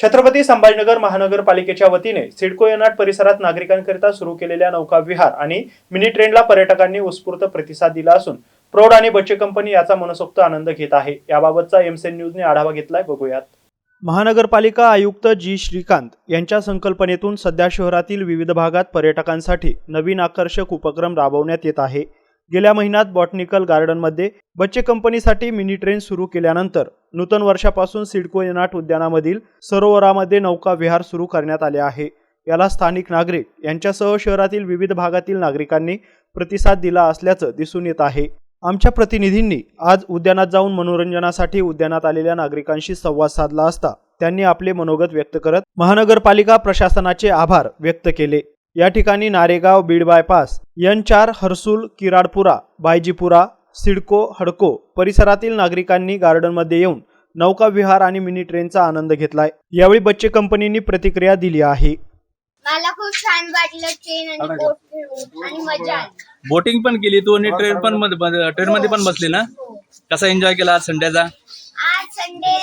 छत्रपती संभाजीनगर महानगरपालिकेच्या वतीने सिडको एनाट परिसरात नागरिकांकरिता सुरू केलेल्या नौका विहार आणि मिनी ट्रेनला पर्यटकांनी उत्स्फूर्त प्रतिसाद दिला असून प्रौढ आणि बच्चे कंपनी याचा मनसोक्त आनंद घेत आहे। याबाबतचा एमसेन न्यूजने आढावा घेतलाय, बघूयात। महानगरपालिका आयुक्त जी श्रीकांत यांच्या संकल्पनेतून सध्या शहरातील विविध भागात पर्यटकांसाठी नवीन आकर्षक उपक्रम राबवण्यात येत आहे। गेल्या महिन्यात बॉटनिकल गार्डनमध्ये बच्चे कंपनीसाठी मिनी ट्रेन सुरू केल्यानंतर नूतन वर्षापासून सिडको एनाट उद्यानामधील सरोवरामध्ये नौका विहार सुरू करण्यात आले आहे। याला स्थानिक नागरिक यांच्यासह शहरातील विविध भागातील नागरिकांनी प्रतिसाद दिला असल्याचं दिसून येत आहे। आमच्या प्रतिनिधींनी आज उद्यानात जाऊन मनोरंजनासाठी उद्यानात आलेल्या नागरिकांशी संवाद साधला असता त्यांनी आपले मनोगत व्यक्त करत महानगरपालिका प्रशासनाचे आभार व्यक्त केले। या ठिकाणी नारेगाव बीड बायपास N4 हर्सुल किराडपुरा बायजीपुरा सिडको हडको परिसरातील नागरिकांनी गार्डनमध्ये येऊन नौका विहार आणि मिनी ट्रेनचा आनंद घेतलाय। यावेळी बच्चे कंपनीने प्रतिक्रिया दिली आहे। मला खूप छान वाटलं, ट्रेन आणि बोट फिरून आणि मजा आली। बोटिंग पण केली तू आणि ट्रेन मध्ये पण बसली ना? कसा एन्जॉय केला आज संडेचा? आज संडे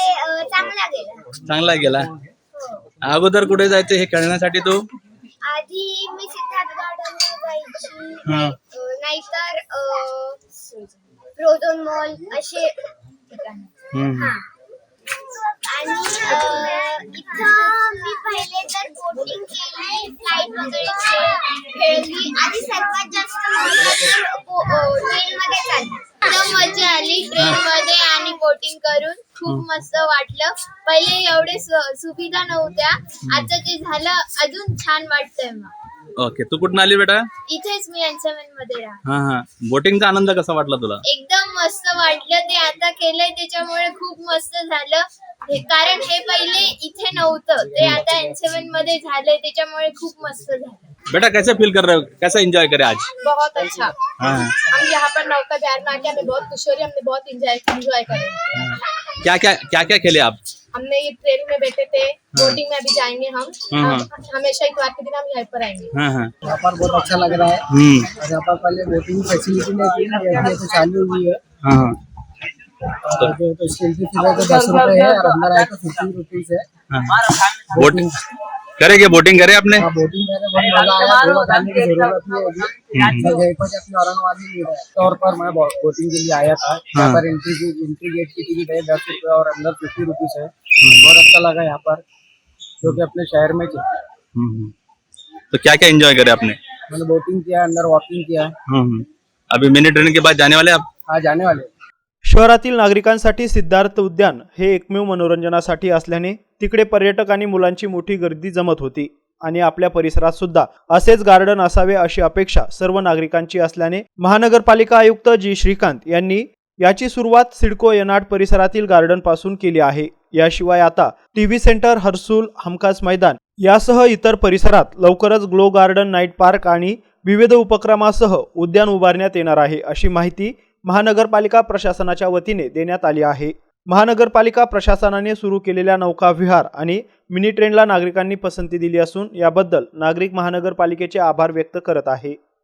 चांगला गेला। अगोदर कुठे जायचं हे खेळण्यासाठी तू? आधी मी सिद्धार्थ गार्डनला जायची, नाहीतर फ्रोझन मॉल असे ठिकाण। आणि इथं मी पहिले तर बोटिंग केली, फ्लाइट वगैरे खेळली आणि सर्वात जास्त ट्रेन मध्ये चालली। मजा आली ट्रेन मध्ये आणि बोटिंग करून, खूप मस्त वाटलं। पहिले एवढे सुविधा नव्हत्या, आता जे झालं अजून छान वाटतंय। मग ओके, तू कुठून आली बेटा? इथेच मी N7 मध्ये राहते। हा, बोटिंगचा आनंद कसा वाटला तुला? एकदम मस्त वाटलं, ते आता केलंय त्याच्यामुळे खूप मस्त झालं। कारण हे पहिले इथे नव्हतं, ते आता N7 मध्ये झालंय त्याच्यामुळे खूप मस्त झालं। बेटा कैसे फील कर रहे हो, कैसा एंजॉय करे आज? बहुत अच्छा। हम यहाँ पर नौका विहार में आके हमें बहुत खुशी हो रही है, हमने बहुत एंजॉय करे। क्या क्या खेले आप? हमने ये ट्रेन में बैठे थे, बोटिंग में अभी जाएंगे हम। हमेशा इतवार के दिन हम यहाँ पर आएंगे। यहाँ पर बहुत अच्छा लग रहा है। और यहाँ पर पहले बोटिंग फैसिलिटी नहीं थी, अभी तो चालू हुई है। और जो तो इसकी एंट्री फीस है तो 10 रुपए है और अंदर आए तो 15 रुपीज है। बोटिंग करेंगे? बोटिंग करे आपने? बोटिंग करने बहुत मजा आया, दो बताने की जरूरत नहीं होगी। मैं यहीं पर अपने औरंगाबाद में मिल रहा है तौर पर मैं बोटिंग के लिए आया था। यहाँ पर एंट्री गेट की टिकट है 10 रुपए और अंदर 50 रुपीज है। बहुत अच्छा लगा यहाँ पर, जो कि अपने शहर में तो क्या क्या एंजॉय करे आपने? मैंने बोटिंग किया, अंदर वॉकिंग किया। अभी मिनी ट्रेन के बाद जाने वाले आप? हाँ, जाने वाले। शहरातील नागरिकांसाठी सिद्धार्थ उद्यान हे एकमेव मनोरंजनासाठी असल्याने तिकडे पर्यटक आणि मुलांची मोठी गर्दी जमत होती आणि आपल्या परिसरात सुद्धा असेच गार्डन असावे अशी अपेक्षा सर्व नागरिकांची असल्याने महानगरपालिका आयुक्त जी श्रीकांत यांनी याची सुरुवात सिडको एनाट परिसरातील गार्डन पासून केली आहे। याशिवाय आता टीव्ही सेंटर हर्सुल हमखास मैदान यासह इतर परिसरात लवकरच ग्लो गार्डन नाईट पार्क आणि विविध उपक्रमासह उद्यान उभारण्यात येणार आहे अशी माहिती महानगरपालिका प्रशासनाच्या वतीने देण्यात आली आहे। महानगरपालिका प्रशासनाने सुरू केलेल्या नौका विहार आणि मिनी ट्रेनला नागरिकांनी पसंती दिली असून याबद्दल नागरिक महानगरपालिकेचे आभार व्यक्त करत आहे।